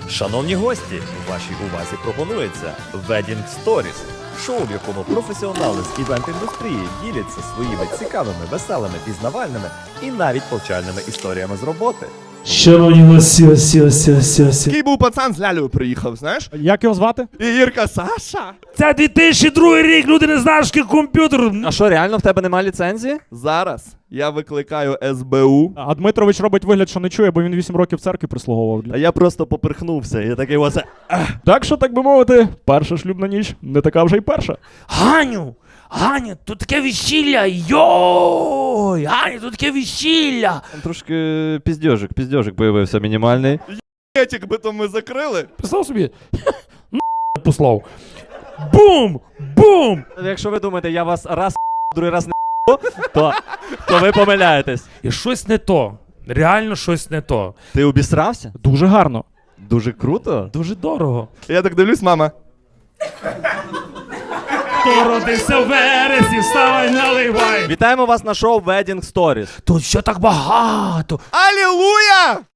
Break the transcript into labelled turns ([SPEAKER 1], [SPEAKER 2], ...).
[SPEAKER 1] Шановні гості, вашій увазі пропонується Wedding Stories. Шоу, в якому професіонали з івент-індустрії діляться своїми цікавими, веселими, пізнавальними і навіть повчальними історіями з роботи.
[SPEAKER 2] Шановні гості.
[SPEAKER 3] Такий був пацан з лялею приїхав, знаєш?
[SPEAKER 2] Як його звати?
[SPEAKER 3] І Ірка Саша.
[SPEAKER 2] Це 2002 рік, люди не знають, що таке комп'ютер.
[SPEAKER 4] А що, реально в тебе немає ліцензії?
[SPEAKER 3] Зараз я викликаю СБУ.
[SPEAKER 2] А Дмитрович робить вигляд, що не чує, бо він 8 років в церкві прислуговував.
[SPEAKER 4] А я просто поперхнувся. Я такий оце.
[SPEAKER 2] Так що, так би мовити, перша шлюбна ніч не така вже й перша.
[SPEAKER 5] Ганю, тут таке весілля, йой! Ганю, тут таке весілля!
[SPEAKER 4] Там трошки піздьожик появився мінімальний.
[SPEAKER 3] Етік би то ми закрили.
[SPEAKER 2] Представ собі, послав. Бум! Бум!
[SPEAKER 4] Якщо ви думаєте, я вас раз другий раз не то ви помиляєтесь.
[SPEAKER 5] І щось не то. Реально щось не то.
[SPEAKER 4] Ти обісрався?
[SPEAKER 2] Дуже гарно.
[SPEAKER 4] Дуже круто.
[SPEAKER 5] Дуже дорого.
[SPEAKER 3] Я так дивлюсь, мама.
[SPEAKER 2] Хто родився в вересні, вставай, наливай.
[SPEAKER 4] Вітаємо вас на шоу Wedding Stories.
[SPEAKER 5] Тут все так багато.
[SPEAKER 3] Алілуя!